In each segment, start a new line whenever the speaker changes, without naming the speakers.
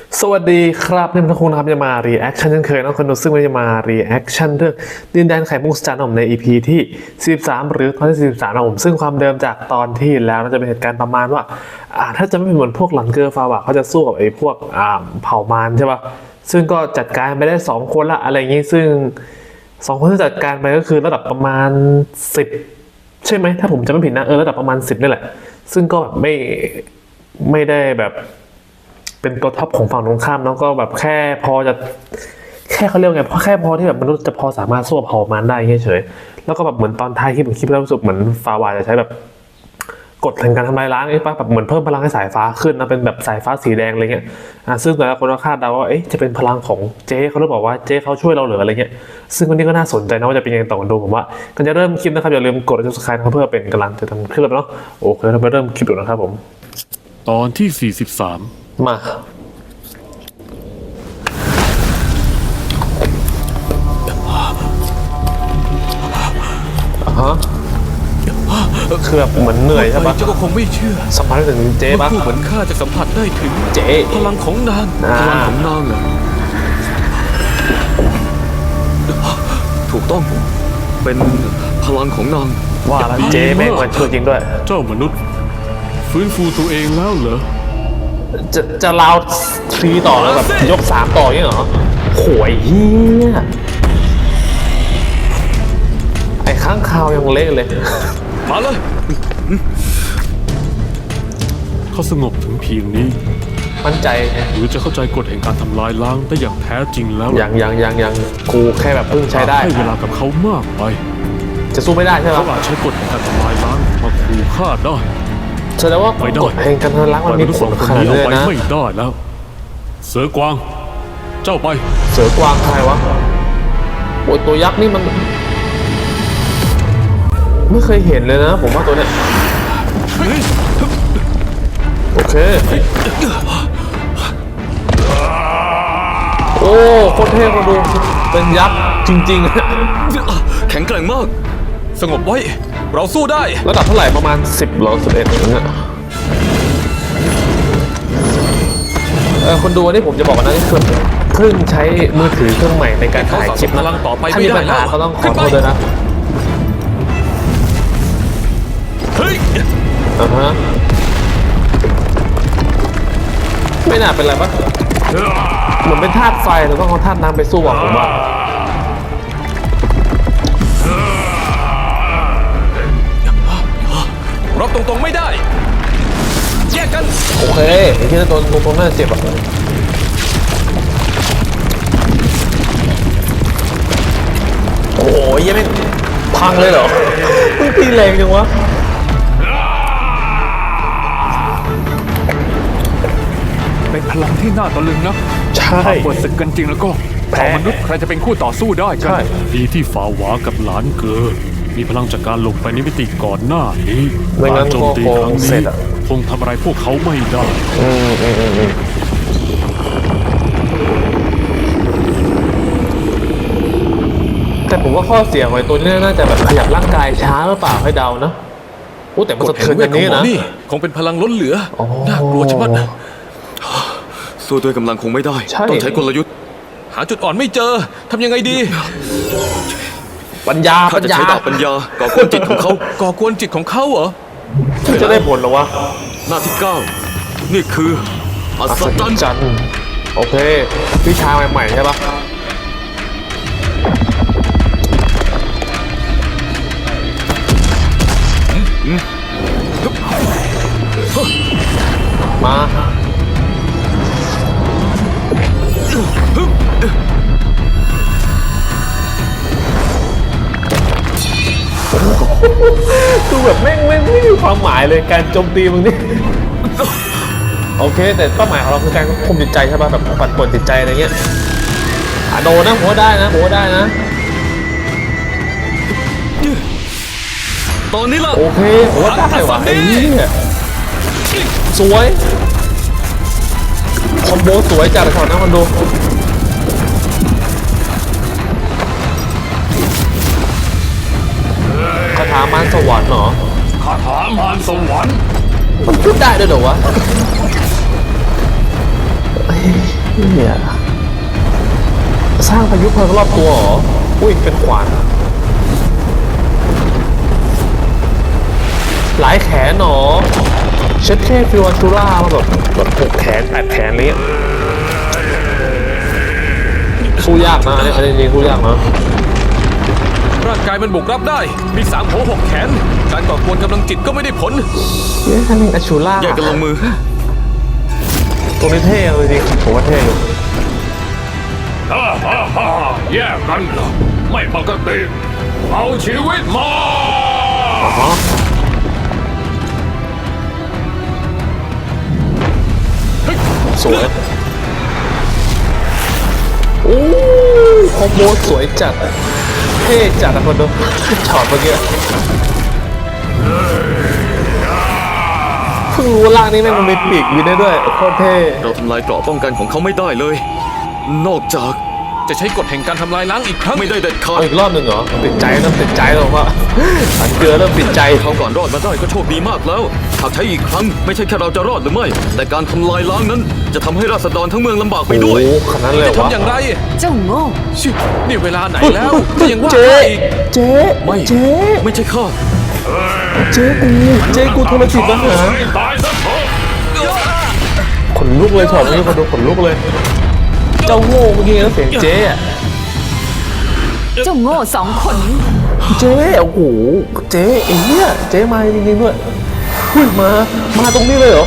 สวัสดีครับนี่มันทุกคนครับจะมา reaction เช่นเคยนะคนดูซึ่งวันนี้จะมา reaction เรื่องดินแดนไข่มุกสจานผมใน EP ที่43หรือตอนที่43นะผมซึ่งความเดิมจากตอนที่แล้วจะเป็นเหตุการณ์ประมาณว่าถ้าจะไม่เป็นเหมือนพวกหลังเกอร์ฟาวะเขาจะสู้กับไอ้พวกเผ่ามารใช่ป่ะซึ่งก็จัดการไปได้2คนละอะไรอย่างงี้ซึ่ง2คนที่จัดการไปก็คือระดับประมาณ10ใช่ไหมถ้าผมจำไม่ผิดนะระดับประมาณ10นี่แหละซึ่งก็แบบไม่ได้แบบเป็นตัวท็อปของฝั่งตรงข้ามแล้วก็แบบแค่พอจะแค่เขาเรียกไงแค่พอที่แบบมนุษย์จะพอสามารถสู้เผ่ามันได้เฉยๆแล้วก็แบบเหมือนตอนท้ายคลิปผมคิดแล้วรู้สึกเหมือนฟาวาจะใช้แบบกฎแห่งการทำลายล้างไอ้ป่ะแบบเหมือนเพิ่มพลังให้สายฟ้าขึ้นนะเป็นแบบสายฟ้าสีแดงอะไรเงี้ยซึ่งแต่ละคนก็คาดเดาว่าจะเป็นพลังของเจ๊เขาหรือเปล่าว่าเจ๊เขาช่วยเราเหลืออะไรเงี้ยซึ่งวันนี้ก็น่าสนใจนะว่าจะเป็นยังไงต่อดูผมว่าก่อนจะเริ่มคลิปนะครับอย่าลืมกด subscribe นะครับเพื่อเป็นกำลังใจทำคลิปเนาะโอเคเราไปเริ่มคลิปดูนะครับผม
ตอนที่43
มาคือแบบเหมือนเหนื่อยใช่ปะ
เจ้าก็คงไม่เชื่อ
สัมผัสถึงเจ๊ปะ
ผู้เหมือนข้าจะสัมผัสได้ถึง
เจ๊
พลังของนางพลังของนางเหรอถูกต้องเป็นพลังของนาง
ว่าแล้วเจ๊แม่งมันช่วยจริงด้วย
เจ้ามนุษย์ฟื้นฟูตัวเองแล้วเหรอ
จะลาวทีต่อแล้วแบบยก3ต่อยังเหรอโหยเฮียไอ้ข้างคาวยังเละเลย
มาเลย
เขาสงบถึงเพียงนี้
มั่นใจ
หรือจะเข้าใจกฎแห่งการทำลายล้างได้อย่างแท้จริงแล้ว
ยังกูแค่แบบเพิ่งใช้ได้
ให้เวลากับเขามากไป
จะสู้ไม่ได้ใช่ไหม
เขาอาจใช้กฎแห่งการทำลายล้างมาขู่ฆ่าได้
แสดงว่ากฎแห่งการทำลายล้างมันมีผลขนาดนี้นะ
ไม่ได้แล้วเสือกวางเจ้าไป
เสือกวางใครวะโอ้ยตัวยักษ์นี่มันไม่เคยเห็นเลยนะผมว่าตัวเนี้ยโอเคโอ้โคตรเท่มาดูเป็นยักษ์จริง
แข็งแกร่งมากสงบไว้เราสู้ได้
ระดับเท่าไหร่ประมาณ10หรือ11อย่างเงี้ยคนดูวันนี้ผมจะบอกนะนี่คือเพิ่งใช้มือถือเครื่องใหม่ในการถ่ายคลิปนะถ้ามีปัญหาก็ต้องขอโทษด้วยนะ
เฮ้ย
ไม่น่าเป็นไรปะเหมือนเป็นธาตุไฟเราต้องเอาธาตุน้ำไปสู้อ่ะผมว่า
รับตรงๆไม่ได้แยกกัน
โอเคไอ้ที่โดนตรงๆน่าเจ็บอ่ะโอ้ยยังไม่พังเลยเหรอมึงตีแรงจังวะ
เป็นพลังที่น่าตะลึงนะ
ใช่
เปิดศึกกันจริงแล้วก็มนุษย์ใครจะเป็นคู่ต่อสู้ได้กัน
ดีที่ฝ่าหวากับหลานเกอมีพลังจากการหลบไปในมิติก่อนหน้านี้
การ
โจมตีครั้งนี้คงทำอะไรพวกเขาไม่ได้
แต่ผมว่าข้อเสียของไอ้ตัวนี้น่าจะแบบขยับร่างกายช้าหรือเปล่าให้เดานะโอ้แต่มันสะเทือนอย่างนี้นะ
คงเป็นพลังล้นเหลือน่ากลัวชะมัดนะสู้ด้วยกำลังคงไม่ได้ต้องใช้กลยุทธ์หาจุดอ่อนไม่เจอทำยังไงดี
ปัญญา
จะใช้ดาบปัญญาก่อกวนจิตของเขาก่อกวนจิตของเขาเหรอ
จะได้ผลหรอวะ
หน้าที่9นี่คืออัศจรรย์
โอเควิชาใหม่ๆใช่ปะมาดูแบบไม่มีความหมายเลยการโจมตีมึงนี่โอเคแต่เป้าหมายของเราคือการควบคุมจิตใจใช่ป่ะแบบปั่นป่วนจิตใจอะไรเงี้ยโดนนะผมว่าได้นะ
ตอนนี้ล่ะ
โอเคผมว่าได้ว่ะไอ้นี่สวยคอมโบสวยจัดเลยก่อนนะมันดูคาถามารสวรรค์เหรอ
คาถามารสวรรค์
มันพูดได้ด้วยเหรอวะเนี่ยสร้างพายุเพลิงรอบตัวเหรอ อุ้ยเป็นขวานหลายแขนหนอเช็ดแค่ฟิวอันตูล่ามาแบบ6 แขน 8 แขนอะไรเงี้ยสู้ยากนะอันนี้จริงๆสู้ยากนะ
ร่างกายมันบุกรับได้ มี3 หัว 6 แขน การก่อกวนกำลังจิตก็ไม่ได้ผล
เย้ท่านนี่อัชชูล่า
แยกกันลงมือ
ตรงนี้เท่เลยจริงผมว่าเท่อยู่
แยกกันเหรอไม่ปกติ เอาชีวิตมา
สวยโอ้คอมโบสวยจัดเท่จัดนะคนดูช็อตเมื่อกี้เพิ่งรู้ว่าร่างนี้แม่งมันมีปีกบินได้ด้วยโคตรเท่
เราทำลายเกราะป้องกันของเขาไม่ได้เลย นอกจากจะใช้กฎแห่งการทำลายล้างอีกครั้งไม่ได้เด็ดขาด
เอาอีกรอบหนึ่งเหรอติดใจเริ่มติดใจแล้วว่าอันเกลือเริ่มติดใจ
เขาก่อนรอดมาได้ก็โชคดีมากแล้วหากใช้อีกครั้งไม่ใช่แค่เราจะรอดหรือไม่ แต่การทำลายล้างนั้น จะทำให้ราษฎรทั้งเมืองลำบากไปด้วย
โอ้ขนาดนั้นเลยเหรอวะ
ทำอย่างไร
เจ้าโง่
ชินี่เวลาไหนแล้วก็ยังว่า
เจ๊
อีก
เจ๊
ไม่
เจ๊
ไม่ใช่ข้า
เจ๊กูโทรจิตมาหา
ตายซะเถอะ
ขนลุกเลยช็อตนี้คนดูขนลุกเลย เจ้าโง่เมื่อกี้นะเสียงเจ๊อะ
เจ้าโง่2 คนนี้
เจ๊โอ้โหเจ๊ไอ้เหี้ยเจ๊มาจริงๆด้วยหุ้ยมาตรงนี้เลยเหรอ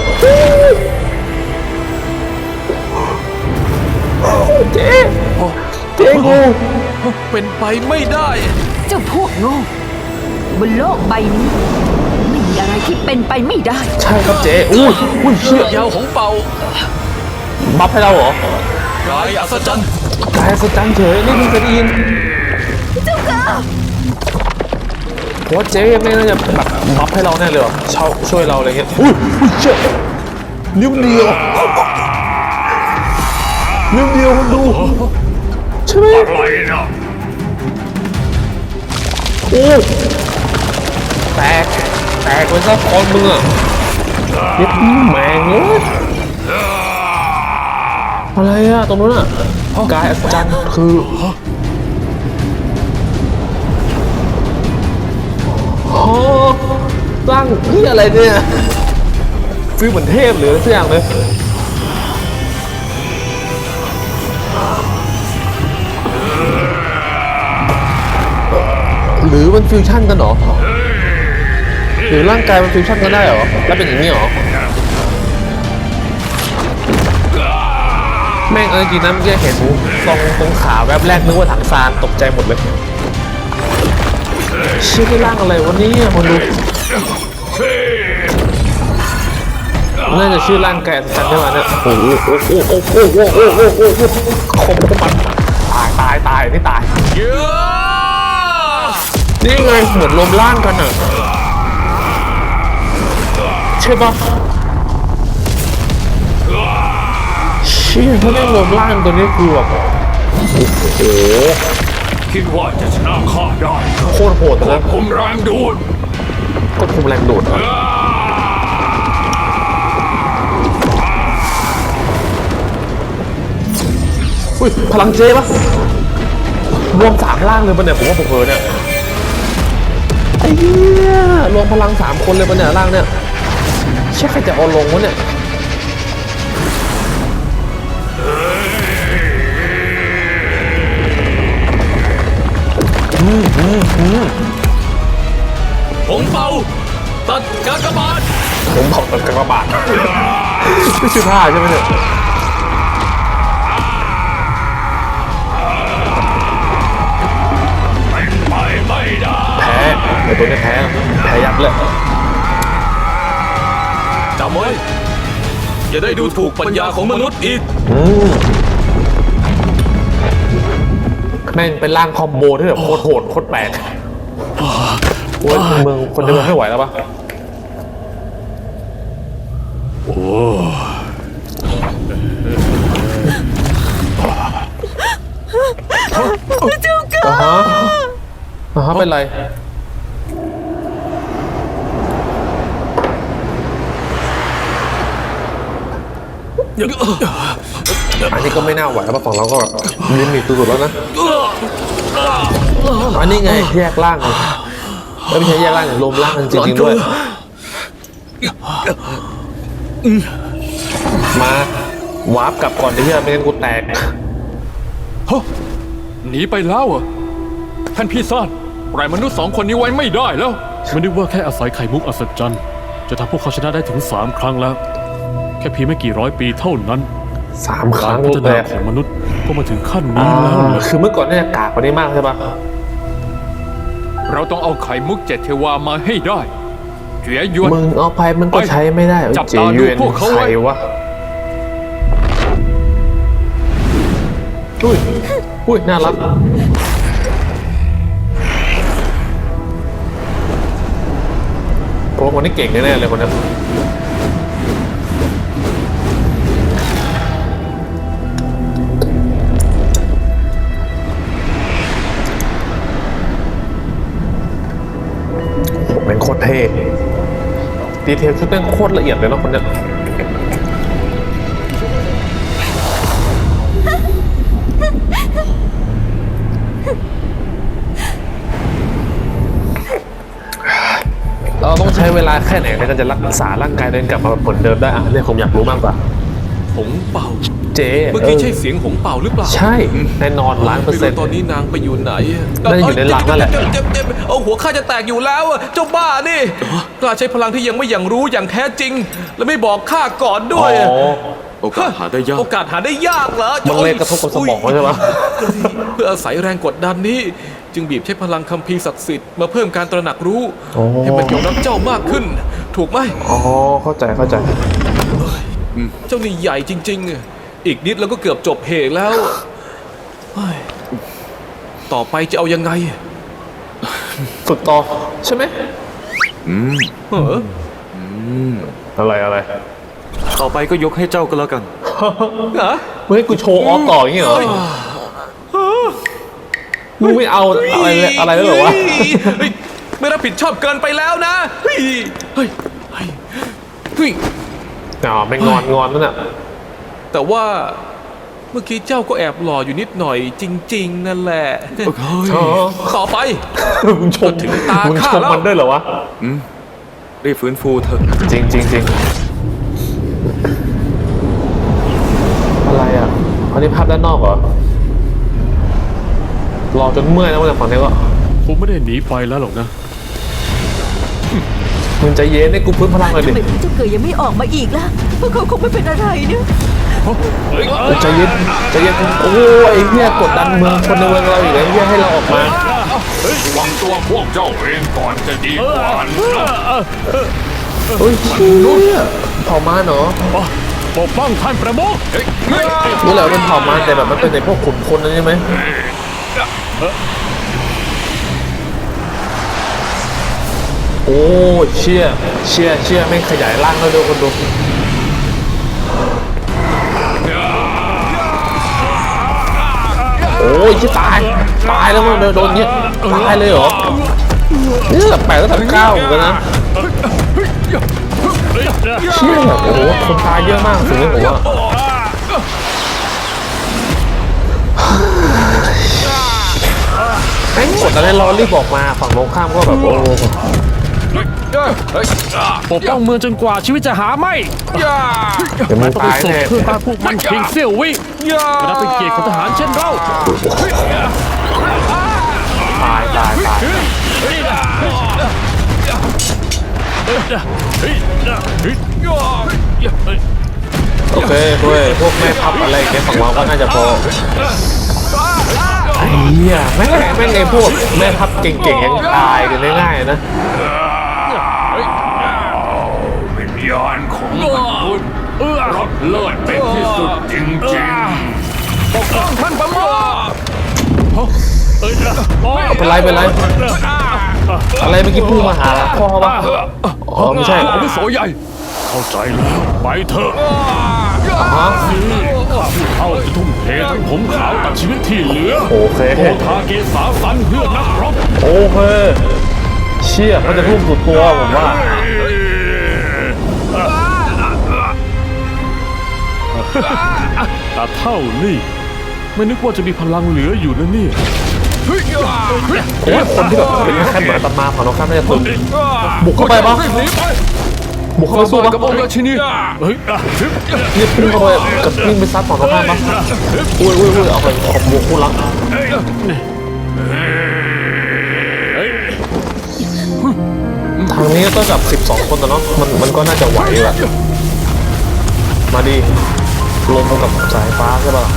เจ๊กู
เป็นไปไม่ได้
เจ้าพวกโง่บนโลกใบนี้ไม่มีอะไรที่เป็นไปไม่ได้
ใช่ครับเจ๊อุ้ยเชี่ย
ยาวของเป่า
บัฟให้เราเหรอก
ายอัศจรรย์
กายสจันเฉยนี่เพิ่งเคยได้ยินเพราะว่าเจ๊ไม่น่าจะแบบบัฟให้เราแน่เลยเหรอช่วยเราอะไรเงี้ยอุ้ยเชี่ยนิ้วเดียวมันดูใช่ไหม
อะไรนะ
โอ้แตกไปซะคอนมึงอ่ะยึดแมงเลยอะไรอ่ะตรงนู้นอ่ะกายอัศจรรย์คือโอ้ร่างนี่อะไรเนี่ยฟีลเหมือนเทพหรืออะไรสักอย่างเลยหรือมันฟิวชั่นกันเหรอหรือร่างกายมันฟิวชั่นกันได้เหรอแล้วเป็นอย่างนี้เหรอแม่งจริงๆนะเมื่อกี้เห็นตรงขาแวบแรกนึกว่าถังซานตกใจหมดเลยชื่อร่างอะไรวะเนี่ยคนดูน่าจะชื่อร่างแกะจันใช่ไหมเนี่ยโอ้โหคมมันตายนี่ตายนี่ไงเหมือนรวมร่างกันอ่ะใช่ปะเชี่ยถ้าแม่งรวมร่างตัวนี้คือแบบโอ้โห
คิดว่าจะชนะข้าได้
โคตรโหดนะ
ผมแรงดูด
ก็คุมแรงดูดอ่ะอุ้ยพลังเจ๊ปะรวม3 ร่างเลยปะเนี่ยผมว่าผมเผลอเนี่ยไอ้เหี้ยรวมพลัง3 คนเลยปะเนี่ยร่างเนี่ยเชื่อใครจะเอาลงวะเนี่ย
ผมเป่าตัดกากบาท
ผมบอกตัดกระบาดไม่ใช่ผ้าใช่ไหมเนี่ยแพ้ไอ้ตัวนี้แพ้ยับเลย
จำไว้อย่าได้ดูถูกปัญญาของมนุษย์อีก
แม่งเป็นร่างคอมโบที่แบบโคตรโหดโคตรแปลกโอ้ยเมืองคนในเมืองไม่ไหวแล้วปะเจ้าก้าเป็นไรอันนี้ก็ไม่น่าไหวแล้วฝั่งเราก็แบบลิมิตสุดๆแล้วนะอันนี้ไงแยกร่างเลยไม่ใช่แยกร่างอย่างรวมร่างกันจริงๆด้วยมาวาร์ปกลับก่อนที่จะไม่งั้นกูแตก
ฮะหนีไปแล้วเหรอท่านพี่ซ่านปล่อยมนุษย์2 คนนี้ไว้ไม่ได้แล้วไม่ได้ว่าแค่อาศัยไข่มุกอัศจรรย์จะทำพวกเขาชนะได้ถึง3 ครั้งแล้ว แค่เพียงไม่กี่ร้อยปีเท่านั้น
3 ครั้ง
พัฒ
เล
นาย ของมนุษย์ก็มาถึงขั้นนี้แล้วเหรอ
คือเมื่อก่อนเนี่ยกากกว่านี้มากใช่ปะ
เราต้องเอาไข่มุก7 เทวามาให้ได้เจียหยวน
มึงเอาไปมันก็ใช้ไม่ได้
จับ
เจ
ตาดู
เยน
พวกเขา
ใคร
ไว้
วะอุ้ยน่ารักโปรคนนี้เก่งแน่ๆเลยคนนี้เป็นโคตรเท่ดีเทลชุดเป็นโคตรละเอียดเลยเนาะคนเนี้ยเราต้องใช้เวลาแค่ไหนในการจะรักษาร่างกายตัวเองกลับมาแบบเหมือนเดิมได้อ่ะเนี่ยผมอยากรู้มากกว่า
หงเป่า
เจ๊
เมื่อกี้ใช่เสียงหงเป่าหรือเปล่า
ใช่แน่นอน1,000,000%
ไม่รู้ตอนนี้นางไปอยู่ไหน
น่าจะอยู่ในหลังนั่นแหละ
เจ็บเอาหัวข้าจะแตกอยู่แล้วอะเจ้าบ้านี่กล้าใช้พลังที่ยังไม่อย่างรู้อย่างแท้จริง และไม่บอกข้าก่อนด้วย
อ๋อ
โอกาสหาได้ยากโอกาสหาได้ยากเหรอ
มันเลยกระทบกับสมองใช่ปะ
เพื่ออาศัยแรงกดดันนี้ จึงบีบใช้พลังคัมภีร์ศักดิ์สิทธิ์มาเพิ่มการตระหนักรู้ ให้มันยอมรับเจ้ามากขึ้น ถูกไหม
อ๋อเข้าใจ
เจ้านี่ใหญ่จริงๆ อีกนิดแล้วก็เกือบจบเหตุแล้วเฮ้ยต่อไปจะเอายังไง
ฝึกต่อใช่ไหม
เออ
อะไร
ต่อไปก็ยกให้เจ้าก็แล้วกัน
ฮะ
มึงให้กูโชว์ออฟต่ออย่างงี้เหรอมึงไม่เอาอะไรแล้วเหรอวะ
เฮ้ยไม่รับผิดชอบเกินไปแล้วนะเฮ้ยเฮ้ยเฮ้ยเฮ้ย
อ๋อไม่งอนนั่นน่ะ
แต่ว่าเมื่อกี้เจ้าก็แอบหล่ออยู่นิดหน่อยจริง ๆ นั่นแหละ
อ๋อ
ต่อไป
มึงชม
ถึงตา
มึงช
ข้าม แล้ว
มันด้วยเหรอวะ
รีบฟื้นฟูเถอะ
จริงอะไรอ่ะอันนี้ภาพด้านนอกเหรอรอจนเมื่อยแล้วมาจากฝั่งนี้ก็
ผมไม่ได้หนีไปแล้วหรอกนะ
มึงใจเย็นให้กูพื้นพลังหน่อย
ทำ
ดิ
ไมเจ้าเกยยังไม่ออกมาอีกล่ะพวกเขาคงไม่เป็นอะไรเนี่ย
ใจเย็นโอ้ยไอ้เหี้ยกดดันเมืองคนในเมืองเราอีกแล้วเหี้ยให้เราออกมา
วางตัวพวกเจ้าเองก่อนจะดีกว่า
เฮ้ยเชี่ยเผ่ามาเนาะ
ปกป้องท่านประมุข
นี่แหละเป็นเผ่ามาแต่แบบมันเป็นในพวกขุนคนนั่นใช่ไหมโอ้เชี่ยไม่งขยายร่างแล้วดูคนดูโอ้ยที่ตายแล้วมันโดนเงี้ยตายเลยเหรอเนี่ย8 ตั้งแต่ 9เหมือนกันนะเชี่ยแบบโอ้โหคนตายเยอะมากสิ่งนี้ผมว่าไอ้กดอะไรรอรีบออกมาฝั่งตรงข้ามก็แบบโอ้
ปกป้องเมืองจนกว่าชีวิตจะหาไม่
เดี๋ยวมึง
ต้อง
ตาย
ส่ง
แน่
เพื่อต้านพวกมันเพียงเสี้ยววิจะนับเป็นเกียรติของทหารเช่นเรา
ตายโอเคด้วยพวกแม่พับอะไรแกฝั่งเราก็น่าจะพอไอ้เหี้ยแม่งไอ้พวกแม่พับเก่งๆยังตายกันง่ายๆนะ
วิญญาณของมนุษย์รบเลิศเป็นที่สุดจริงๆปกป้องท่านประมุข
เป็นไรอะไรเมื่อกี้พูดมาหาพ่อปะอ๋อไม่ใช่
อาวุโสใหญ่เข้าใจแล้วไปเถอะ
ฮะ
ข้าผู้เฒ่าจะทุ่มเททั้งผมขาวตัดชีวิตที่เหลือ
โอเค
โอทาเกสาสันเพื่อนักรบ
โอเคเชี่ยเขาจะทุ่มสุดตัวผมว่า
ตาเท่านี่ไม่นึกว่าจะมีพลังเหลืออยู่นะเนี่ย
โอ้ยคนที่แบบเป็นแค่เหมือนอาตมาฝั่งตรงข้ามน่าจะตึงบุกเข้าไปปะ
รีบหนีไป
บุกเข้าไปสู้ปะ
กับองค์ราชินีเฮ้ย
นี่พุ่งเข้าไปกับวิ่งไปซัดฝั่งตรงข้ามปะอุ้ยเอาไปขอบบุกคู่รักทางนี้ต้องจับ12 คนแต่เนาะมันก็น่าจะไหวแหละมาดีลงกับสายฟ้าใช่ปะ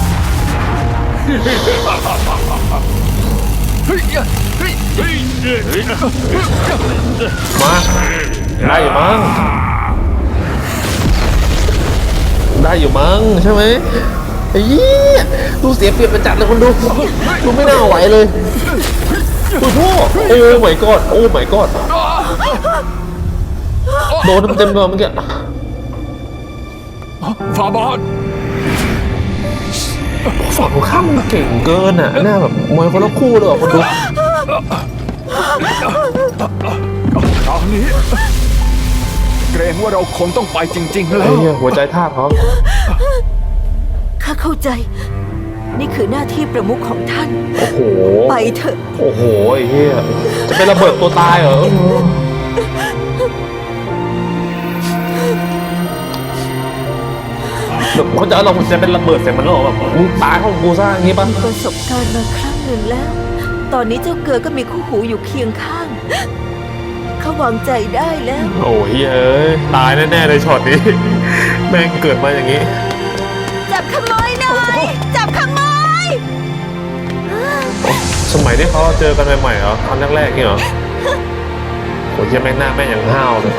มาได้อยู่มั้งใช่ไหมไอ้ยี่ดูเสียเปรียบประจัดเลยคนดูไม่น่าไหวเลยโอ้โหโอ้ my god โอ้ my god โดนเต็มๆเลยเมื่อกี้
ฟาบาท
ฝั่งข้ามมันเก่งเกินอ่ะหน้าแบบมวยคนละคู่เลยอ่ะคนดู
คราวนี้เกรงว่าเราคงต้องไปจริงๆแล้
ไอ้
ว
เหี้ยหัวใจทาบเขา
ข้าเข้าใจ นี่คือหน้าที่ประมุขของท่าน
โอ้โห
ไปเถอะ
โอ้โหไอ้เหี้ยจะเป็นระเบิดตัวตายเหรอแบบเขาจะเอาเราจะเป็นระเบิดใส่มันหรอแบบมึงตายของกูซะอย่างงี้ปะ
ประสบการณ์มาครั้งหนึ่งแล้ว ตอนนี้เจ้าเกลือก็มีคู่หูอยู่เคียงข้างเขาวางใจได้แล้ว
โอ้ยเอ้ยตายแน่ๆเลยช็อตนี้ แม่งเกิดมาอย่างนี้
จับขโมยหน่อย จับขโมย
สมัยที่เขาเจอกันใหม่ๆเหรอตอนแรกๆนี่เหรอโอ้ยยังแม่งหน้าแม่งอย่างห้าวเลย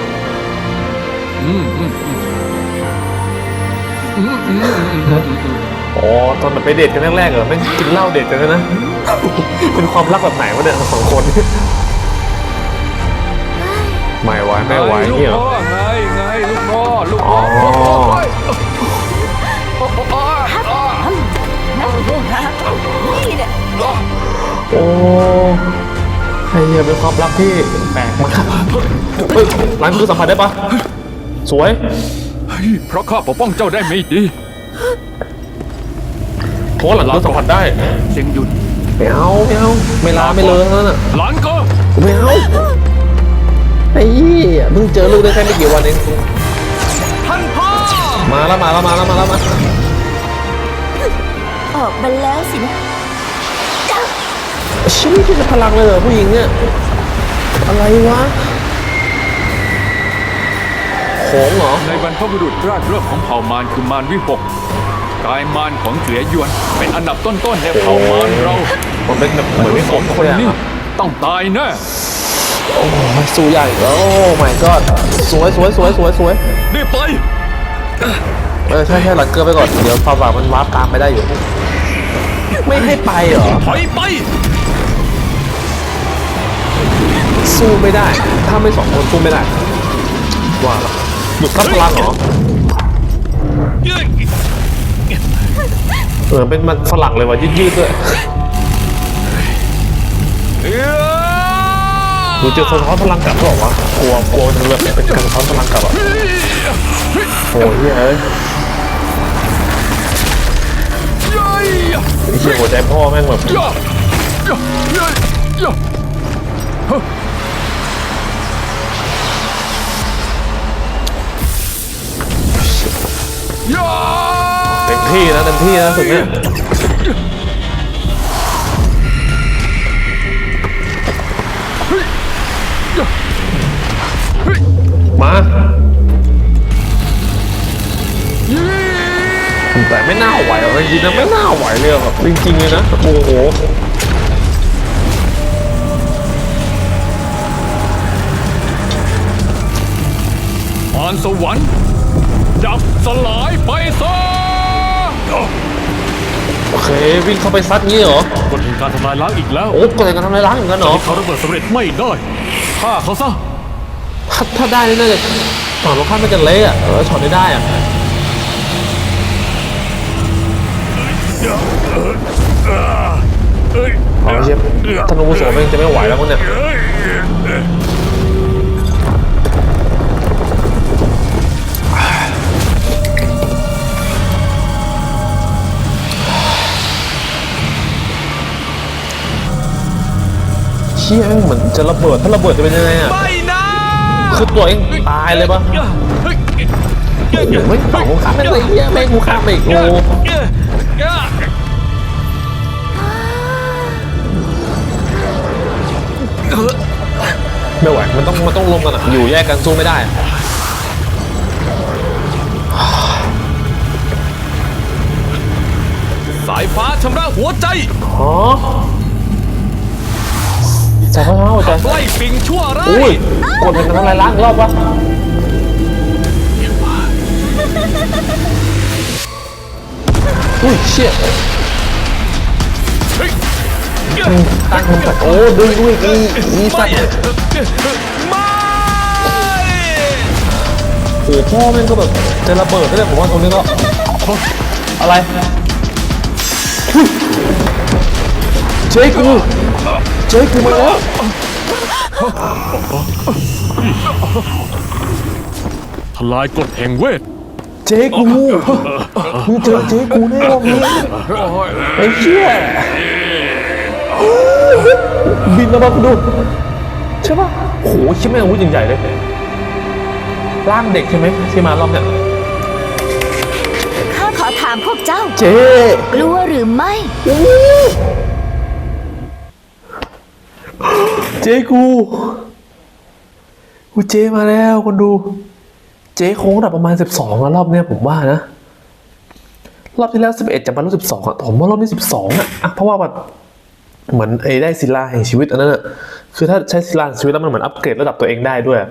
อ๋อตอนแบบไปเดทกันแรกๆเหรอแม่งกินเหล้าเดทกันนะ เป็นความรักแบบไหนวะเนี่ยสองคน ไม่ไหวไม่ไหวนี่เหรอ
ไงลูกพ่อลูก
อ๋
พ่
อ
นี่เนี่ย
โอ้ไอ้เหี้ยเป็นความรักที่แปลกมากเฮ้ยร้านคือสัมผัสได้ปะสวย
เพราะข้าปกป้องเจ้าได้ไม่ดี
เพราะว่าหลังคือสัมผัสได้
เสียงหยุด
ไม่เอาไม่ลาไม่เลยนั่นน่ะ
หลานก็
ไม่เอาไอ้เหี้ยเพิ่งเจอลูกได้แค่ไม่กี่วันเอง
ท่านพ่อ
มาแล้ว
ออกมาแล้วสินะ
ชีวิตที่จะพลังเลยเหรอผู้หญิงเนี่ยอะไรวะของเหรอ
ในบรรพบุรุษแรกเริ่มของเผ่ามารคือมารวิหกกายมารของเสือยวนเป็นอันดับต้นๆในเผ่ามารเรา
มันเป็นแบบเหมือนไม่
ส
ส
อง
ม
ค
คน น
นี้
อ่ะ
ต้องตายแน่
โอ้ยสู้ใหญ่โอ้ my god สวย
รีบไป
ใช่หลังเกลือไปก่อนเดี๋ยวความหวังมันวาร์ปตามไปได้อยู่ ไม่ให้ไปเหรอ
ถอยไป
สู้ไม่ได้ ถ้าไม่สองคนสู้ไม่ได้ว่าละหยุดทับพลังเหรอเป็นมันฝรั่งเลยว่ะยืดๆด้วยดูเจอสะท้อนพลังกลับหรอวะกลัวมันแบบเป็นการสะท้อนพลังกลับอ่ะโอ้ยเฮ้ยไอ้เหี้ยหัวใจพ่อแม่งแบบเต็มที่นะสุดเนี่ยมาแต่ไม่น่าไหวหรอกจริงๆนะไม่น่าไหวเลยแบบจริงๆเลยนะโอ้โห
มารสวรรค์ดับสลายไปซะ
โอเควิ่งเข้าไปซัดงี้เหรอก
ฎแห่งการทำลายล้างอีกแล้ว
โอ้กดอะไรกันทำไรล้างอย่างนั้นเหรอ
เขาระเบิดสำเร็จไม่ได้ฆ่าเขาซะ
ถ้าได้นี่น่าจะฝั่งตรงข้ามมันจะเละอ่ะช็อตได้อ่ะเอาเชฟธนูโสมเองจะไม่ไหวแล้วมั้งเนี่ยชี่ยแม่งเหมือนจะระเบิดถ้าระเบิดจะเป็นยังไงอ่ะ
ไม่นะ
คือตัวเองตายเลยปะไม่ฝั่งกูข้ามไม่เลยเฮียแม่งกูข้ามไปอีกโอ้ไม่ไหวมันต้องลงกันอ่ะอยู่แยกกันสู้ไม่ได้
สายฟ้าชำระหัวใจ
อ๋อใจเขาใจ
ไล่ปิงชั่วร้า
อุ้
ย
ยกดเป็นอะไรล้างรอบวะอุ้ยเชี่ยตั้งมันตัดโอ้ด้วยอีสัตว์
ไม่
โอ้พ่อแม่งก็แบบจะระเบิดได้เลยผมว่าตรงนี้ก็อะไรอุ๊ยเจ๊กูมาแล้ว
ทลายกฎแห่งเวท
เจ๊กูมึงเจอเจ๊กูแน่รอบนี้ไอ้เชี่ยบินมาบ้างดูใช่ป่ะโอ้โหชิบแม่งอาวุธใหญ่ๆเลยร่างเด็กใช่ไหมที่มารอบเนี้ย
ข้าขอถามพวกเจ้า
เจ๊
กลัวหรือไม่
เจ๊กูเจ๊มาแล้วคนดูเจ๊โค้งระดับประมาณ12อะรอบเนี้ยผมว่านะรอบที่แล้ว11จะมารู้12อะผมว่ารอบนี้12อะเพราะว่าแบบเหมือนไอ้ได้ศิลาแห่งชีวิตอันนั้นอะคือถ้าใช้ศิลาแห่งชีวิตแล้วมันเหมือนอัปเกรดระดับตัวเองได้ด้วย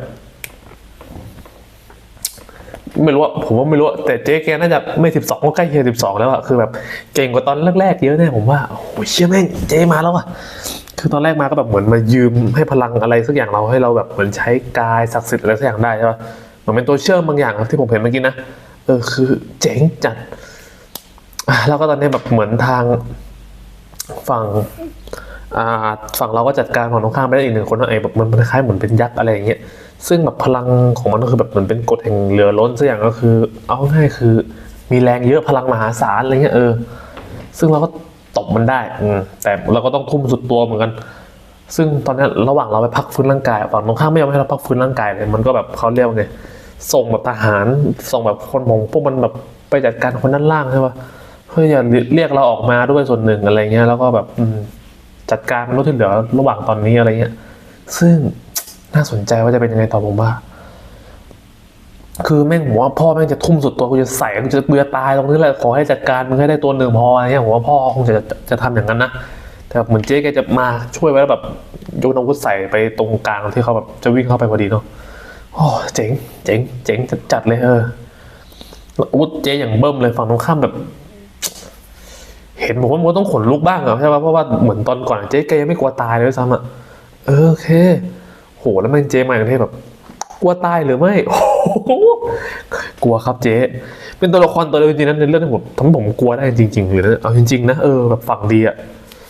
ไม่รู้ว่าผมว่าไม่รู้แต่เจ๊แกน่าจะไม่12ก็ใกล้เคียง12แล้วอะคือแบบเก่งกว่าตอนแรกๆเยอะแน่ผมว่าโอ้ยเชี่ยแม่งเจ๊มาแล้วอะคือตอนแรกมาก็แบบเหมือนมายืมให้พลังอะไรสักอย่างเราให้เราแบบเหมือนใช้กายศักดิ์สิทธิ์อะไรสักอย่างได้ใช่ปะเหมือนเป็นตัวเชื่อมบางอย่างที่ผมเห็นเมื่อกี้นะคือเจ๋งจัดแล้วก็ตอนนี้แบบเหมือนทางฝั่งเราก็จัดการฝั่งตรงข้ามไปได้อีกหนึ่งคนว่าไอ้แบบมันคล้ายเหมือนเป็นยักษ์อะไรอย่างเงี้ยซึ่งแบบพลังของมันก็คือแบบเหมือนเป็นกฎแห่งเรือล้นสักอย่างก็คือเอาง่ายคือมีแรงเยอะพลังมหาศาลอะไรเงี้ยซึ่งเราก็ตบมันได้แต่เราก็ต้องทุ่มสุดตัวเหมือนกันซึ่งตอนนี้ระหว่างเราไปพักฟื้นร่างกายฝั่งตรงข้ามไม่ยอมให้เราพักฟื้นร่างกายเลยมันก็แบบเขาเรียกว่าไงส่งแบบทหารส่งแบบคนมงพวกมันแบบไปจัดการคนด้านล่างใช่ปะเพื่อจะเรียกเราออกมาด้วยส่วนหนึ่งอะไรเงี้ยแล้วก็แบบจัดการรถที่เหลือระหว่างตอนนี้อะไรเงี้ยซึ่งน่าสนใจว่าจะเป็นยังไงต่อผมว่าคือแม่งผมว่าพ่อแม่งจะทุ่มสุดตัวกูจะใส่กูจะเบื่อตายตรงนี้แหละขอให้จัดการมึงให้ได้ตัวหนึ่งพออะไรเงี้ยผมว่าพ่อคงจะทำอย่างนั้นนะแต่เหมือนเจ๊แกจะมาช่วยไว้แล้วแบบโยนอาวุธใส่ไปตรงกลางที่เขาแบบจะวิ่งเข้าไปพอดีเนาะโอ้เจ๋งจัดเลยอาวุธเจ๊อย่างเบิ่มเลยฝั่งตรงข้ามแบบเห็นผมว่ามันต้องขนลุกบ้างอะใช่ป่ะเพราะว่าเหมือนตอนก่อนเจ๊แกยังไม่กลัวตายเลยด้วยซ้ำอะโอเคโหแล้วมันเจ๊มาอย่างที่แบบกลัวตายหรือไม่โอ้โหกลัวครับเจ๊เป็นตัวละครตัวเดียวจริงๆนะในเรื่องที่ผมทำให้ผมกลัวได้จริงๆหรือเอาจริงๆนะแบบฝั่งดีอะ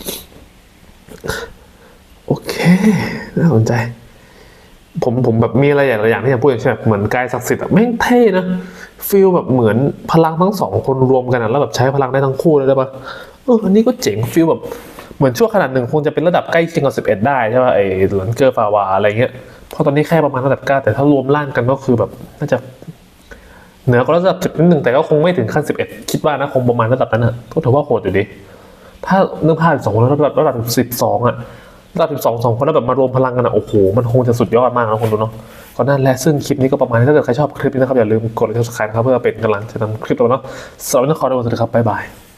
โอเคน่าสนใจผมแบบมีอะไรอย่างที่อยากพูดอย่างเช่นเหมือนกายศักดิ์สิทธิ์อะแม่งเท่นะฟีลแบบเหมือนพลังทั้งสองคนรวมกันแล้วแบบใช้พลังได้ทั้งคู่เลยได้ปะอันนี้ก็เจ๋งฟีลแบบเหมือนชั่วขนาดหนึ่งคงจะเป็นระดับใกล้เคียงกับ11ได้ใช่ป่ะไอ้หลันเกอร์ฟาวาอะไรเงี้ยเพราะตอนนี้แค่ประมาณระดับ9แต่ถ้ารวมร่างกันก็คือแบบน่าจะเหนือกว่าระดับ10นิดนึงแต่ก็คงไม่ถึงขั้น11คิดว่านะคงประมาณระดับนั้นอ่ะก็ถือว่าโหดอยู่ดีถ้าเนื้อผ้า2คนแล้วระดับ12อ่ะระดับ12คนแล้วแบบมารวมพลังกันอ่ะโอ้โหมันคงจะสุดยอดมากนะคุณดูเนาะก็นั่นแหละซึ่งคลิปนี้ก็ประมาณนี้ถ้าเกิดใครชอบคลิปนี้นะครับอย่าลืมกดไลค์กด Subscribe นะครับเพื่อเป็นกำลังใจทำคลิปต่อเนาะสำหรับวันนี้ขอตัวสวัสดีครับบ๊ายบาย